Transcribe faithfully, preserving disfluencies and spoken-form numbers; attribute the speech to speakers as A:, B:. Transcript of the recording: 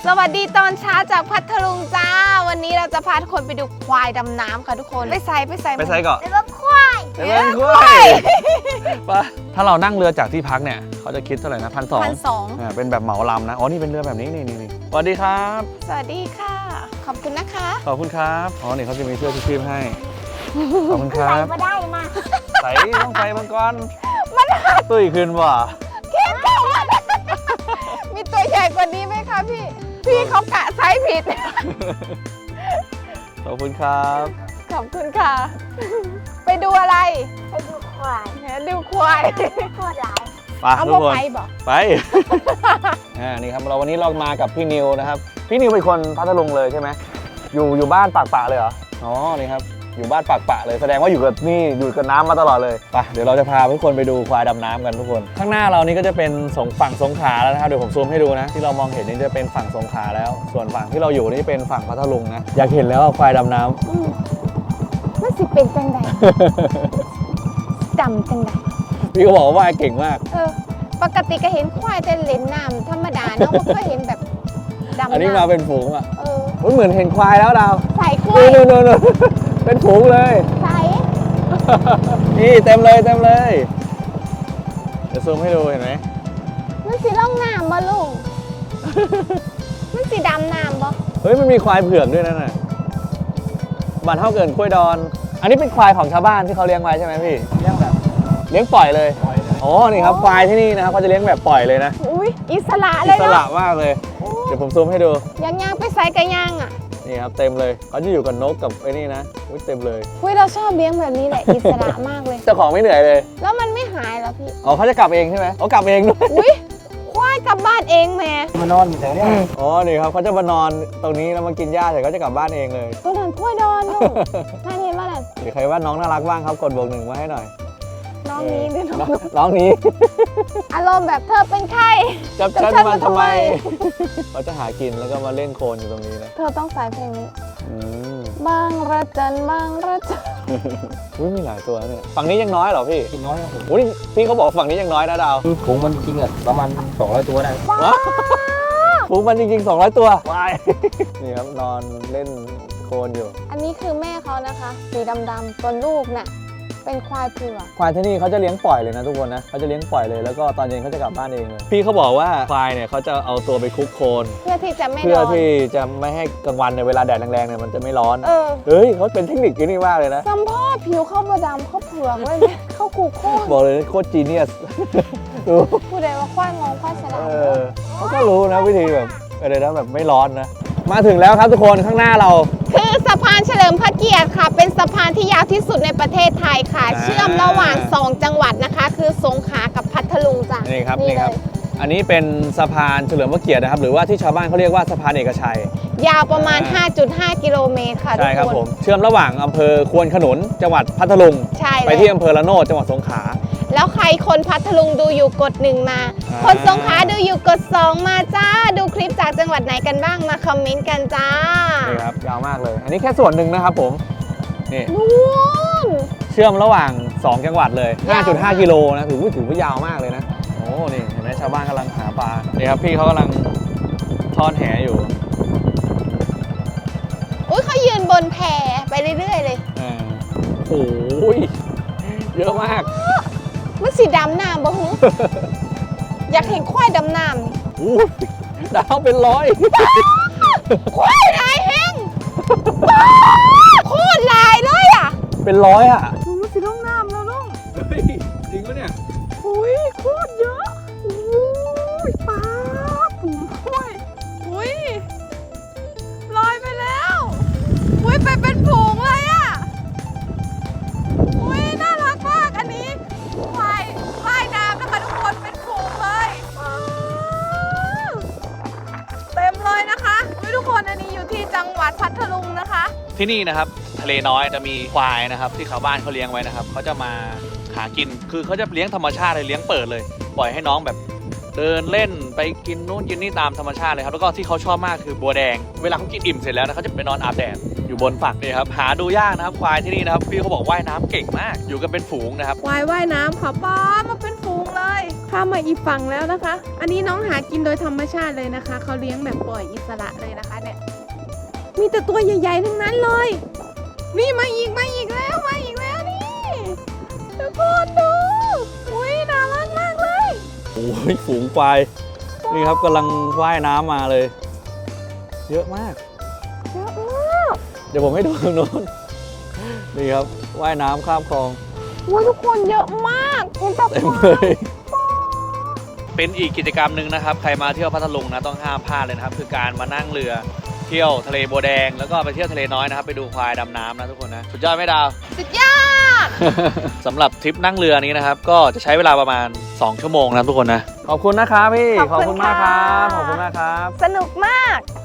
A: สวัสดีตอนเช้าจากพัทลุงจ้าวันนี้เราจะพาทุกคนไปดูควายดำน้ำค่ะทุกคนไปใส่ไปใส่
B: ไปใส่ก่อน
A: ไปว่าควาย
B: ไปเป็นควายปะถ้าเรานั่งเรือจากที่พักเนี่ยเขาจะคิดเท่าไหร่นะพันสอง
A: พันสอง
B: เป็นแบบเหมาลำนะอ๋อนี่เป็นเรือแบบนี้นี่นี่นี่สวัสดีครับ
A: สวัสดีค่ะ ขอบคุณนะคะ
B: ขอบคุณครับอ๋อนี่เขาจะมีเสื้อชูชีพให้ขอบคุณครั
A: ใส่
B: บ
A: มาได้มา
B: ใส่ต้องใส่มังกรมันตุ้ยขึ้นว่ะ
A: เข้มแข็งมีตัวใหญ่กว่านี้ไหมคะพี่พี่เขากะไซส์ผิด
B: ขอบคุณครับ
A: ขอบคุณค่ะ ไปดูอะไร
C: ไปดูควาย
A: ดูควาย
C: โคตรหลาย
B: ไป
A: เอา
B: ทุกคน
A: ไปบอก
B: ไป อ่านี่ครับเราวันนี้เรามากับพี่นิวนะครับพี่นิวเป็นคนพัทลุงเลยใช่ไหมอยู่อยู่บ้านปากปะเลยเหรออ๋อนี่ครับอยู่บ้านปากปะเลยแสดงว่าอยู่กับนี่อยู่กับน้ำมาตลอดเลยไปเดี๋ยวเราจะพาทุกคนไปดูควายดำน้ำกันทุกคน ข้างหน้าเรานี่ก็จะเป็นสงฝั่งสงขลาแล้วนะครับเดี๋ยวผมซูมให้ดูนะที่เรามองเห็นนี่จะเป็นฝั่งสงขลาแล้ว ส่วนฝั่งที่เราอยู่นี่เป็นฝั่งพัทลุงนะอยากเห็นแล้วว่าควายดำน้ำ
A: อืมมันสิเป็นจังใดดำจังใด
B: พี่ก็บอกว่าว่ายเก่งมาก
A: เออปกติก็เห็นควายแต่เล่นน้ำธรรมดาเนาะไม่เคยเห็นแบบดำ
B: อันนี้
A: น้ำ
B: มาเป็นฝูงอ่ะ
A: เออ
B: อุ๊ยเหมือนเห็นควายแล้วดาว
A: ใส่ควาย
B: นู่นนู่นนู่นเป็นฝูงเลย
A: ใส่
B: นี่เต็มเลยเต็มเลยเดี๋ยวซูมให้ดูเห็นไหม
A: มันสีล่องน้ำบ่ลุง มันสีดำน้ำบ่
B: เฮ้ยมันมีควายเผือกด้วยนั่นน่ะบ้านเท่าเกินกล้วยดอน อันนี้เป็นควายของชาวบ้านที่เขาเลี้ยงไว้ใช่ไหมพี่เลี้ยงแบบเลี้ยงปล่อยเลยอ๋อนี่ครับควายที่นี่นะครับเขาจะเลี้ยงแบบปล่อยเลยนะ
A: อุ้ยอิสระเล
B: อิ
A: ย
B: ส
A: เนาะ
B: ระมากเลยเดี๋ยวผมซูมให้ดู
A: ย่างย่างไปใส่กระย่างอ่ะ
B: นี่ครับเต็มเลยเขาจะอยู่กับนกกับไอ้นี่นะอุ๊ยเต็มเลย
A: อุ้ยเราชอบเลี้ยงแบบนี้แหละ อิสระมากเลย
B: เจ้าของไม่เหนื่อยเลย
A: แล้วมันไม่หายเหรอพี่
B: อ๋อเขาจะกลับเองใช่ไหมเขากลับเองด้วย
A: อุ้ยควายกลับบ้านเองแม่
D: มานอนอยู่แถวเนี้ย
B: อ๋อนี่ครับเขาจะมานอนตรงนี้แล้วมากินหญ้าเสร็จเขาจะกลับบ้านเองเลย
A: ตัวนั้นควายดอนลูกน่าเห็นว่านั่น
B: หรือใครว่าน้องน่ารักบ้างครับกดบวกหนึ่งมาให้หน่อย
A: น้องนี้หรือน้อง
B: น้องน้องนี้
A: อารมณ์แบบเธอเป็นใคร
B: จับ
A: จับ
B: ฉัน
A: ฉัน
B: มา
A: มา
B: ทำไม
A: ทำไม
B: เขาจะหากินแล้วก็มาเล่นโคลนอยู่ตรงนี้นะ
A: เธอต้องใส่เพลงนี้
B: อืม
A: บางระจันบางระจัน
B: อุ้ยมีหลายตัวเนี่ยฝั่งนี้ยังน้อยเหรอพี่
D: กินน้อยครับผม
B: อุ้ยพี่เขาบอกฝั่งนี้ยังน้อยนะดาว
D: คือผงมันจริงอ่ะประมาณสองร้อยตัวได้
B: ว้าวฝูงมันจริงๆสองร้อยตัววายนี่ครับนอนเล่นโคลนอยู่
A: อันนี้คือแม่เขานะคะ สีดำๆตัวลูกน่ะเป็นควายเผือก
B: ควายที่นี่เขาจะเลี้ยงปล่อยเลยนะทุกคนนะเขาจะเลี้ยงปล่อยเลยแล้วก็ตอนเย็นเขาจะกลับบ้านเองเลยพี่เขาบอกว่าควายเนี่ยเขาจะเอาตัวไปคลุกโคลน
A: เพื่อที่จะไม่
B: เพื่อ
A: ร้อน
B: ที่จะไม่ให้กลางวันในยเวลาแดดแรงๆเนี่ยมันจะไม่ร้อน
A: เออ
B: เฮ้ยเขาเป็นเทคนิคที่นี่มากเลยนะ
A: สัมพ่อผิวเข้าบดำเข้าเผือกเลยเนี่ยเข้ากูโค้ง
B: บอกเลยโคตรจีเนียส ดู
A: ผู้ใดว่าควายงงควายฉลา
B: เอ
A: ด
B: อเขาก็รู้นะวิธีแบบอะไรนะแบบไม่ร้อนนะ มาถึงแล้วครับทุกคนข้างหน้าเรา
A: คือสะพานเฉลิมพระเกียรติค่ะ เป็นสะพานที่ยาวที่สุดในประเทศไทยค่ะ
B: อ่า
A: เชื่อมระหว่างสองจังหวัดนะคะ คือสงขลากับพัทลุงจ้ะ
B: นี่ครับ
A: นี่
B: นี่ครับ
A: เลย
B: อันนี้เป็นสะพานเฉลิมพระเกียรตินะครับ หรือว่าที่ชาวบ้านเขาเรียกว่าสะพานเอกชัย
A: ยาวประมาณ
B: อ่า
A: ห้าจุดห้า กิโลเมตรค่ะทุ
B: ใช่
A: ก
B: ครับ
A: คน
B: ผมเชื่อมระหว่างอำเภอควนขนุนจังหวัดพัทลุง
A: ใช่
B: ไป
A: เลย
B: ที่อำเภอละโนดจังหวัดสงขลา
A: แล้วใครคนพัทลุงดูอยู่กดหนึ่งมา
B: อ่า
A: คนสงขลาดูอยู่กดสองมาจ้า ดูคลิปจากจังหวัดไหนกันบ้างมาคอมเมนต์กันจ้า
B: นี่ครับยาวมากเลย อันนี้แค่ส่วนหนึ่งนะครับผมนี่
A: นู่น
B: เชื่อมระหว่างสองจังหวัดเลย
A: ยาวมาก
B: ห้าจุดห้า กิโลนะถือว่าถือว่ายาวมากเลยนะโอ้นี่เห็นไหมชาวบ้านกำลังหาปลานี่ครับพี่เขากำลังทอดแหอยู่
A: อุ้ยเขายืนบนแพไปเรื่อยๆเลย
B: อ่าโอ้ยเยอะมาก
A: มันสีดำน้ำบ่หู อยากเห็นควายดำน้ำนี่
B: อู้ดาวเป็นร้อย
A: ควายลายแห้งโคตรลายเลยอ่ะ
B: เป็นร้อยอ่ะ
A: ดูมันสีล่องน้ำแล้วลุง
B: เฮ้ยจริงปะเนี่ย
A: อุ้ยโคตรเยอะอุ้ยป้าฝูงควายอุ้ยลอยไปแล้วอุ้ยไปเป็นฝูงเลยอ่ะอุ้ยน่ารักมากอันนี้ควายว่ายน้ำนะคะทุกคนเป็นฝูงเลยว้าวเต็มเลยนะคะอุ้ยทุกคนอันนี้อยู่ที่จังหวัดพัทลุงนะคะ
B: ที่นี่นะครับทะเลน้อยจะมีควายนะครับที่ชาวบ้านเขาเลี้ยงไว้นะครับเขาจะมาหากินคือเขาจะเลี้ยงธรรมชาติเลยเลี้ยงเปิดเลย ปล่อยให้น้องแบบเดินเล่นไปกินนู่นกินนี่ตามธรรมชาติเลยครับแล้วก็ที่เขาชอบมากคือบัวแดงเวลาเขากินอิ่มเสร็จแล้วนะเขาจะไปนอนอาบแดดอยู่บนฝั่งนี่ครับหาดูยากนะครับควายที่นี่นะครับพี่เขาบอกว่ายน้ำเก่งมาก อยู่กันเป็นฝูงนะครับ
A: ควายว่ายน้ำค่ะป้ามาเป็นฝูงเลย ขข้ามมาอีกฝั่งแล้วนะคะ อันนี้น้องหากินโดยธรรมชาติเลยนะคะเขาเลี้ยงแบบปล่อยอิสระเลยนะคะเนี่ยมีแต่ตัวใหญ่ๆทั้งนั้นเลย นี่มาอีกมาอีกแล้วมาอีกแล้วนี่ทุกคนดูอุ้ยน่ารักมากเลย
B: โอ้ยฝูงควายนี่ครับกำลังว่ายน้ำมาเลย เยอะมาก
A: เยอะมาก
B: เดี๋ยวผมให้ดูตรงโน้นนี่ครับว่ายน้ำข้ามคลอง
A: อุ้ยทุกคนเยอะมากเป็นแบบ
B: เต็มเลยเป็นอีกกิจกรรมหนึ่งนะครับ ใครมาเที่ยวพัทลุงนะต้องห้ามพลาดเลยนะครับ คือการมานั่งเรือเที่ยวทะเลบัวแดงแล้วก็ไปเที่ยวทะเลน้อยนะครับไปดูควายดำน้ำนะทุกคนนะสุดยอดไหมดาว
A: สุดยอด
B: สำหรับทริปนั่งเรือนี้นะครับก็จะใช้เวลาประมาณสองชั่วโมงนะทุกคนนะขอบคุณนะครับพี่ขอบคุณมากครับขอบคุณมากครับ
C: สนุกมาก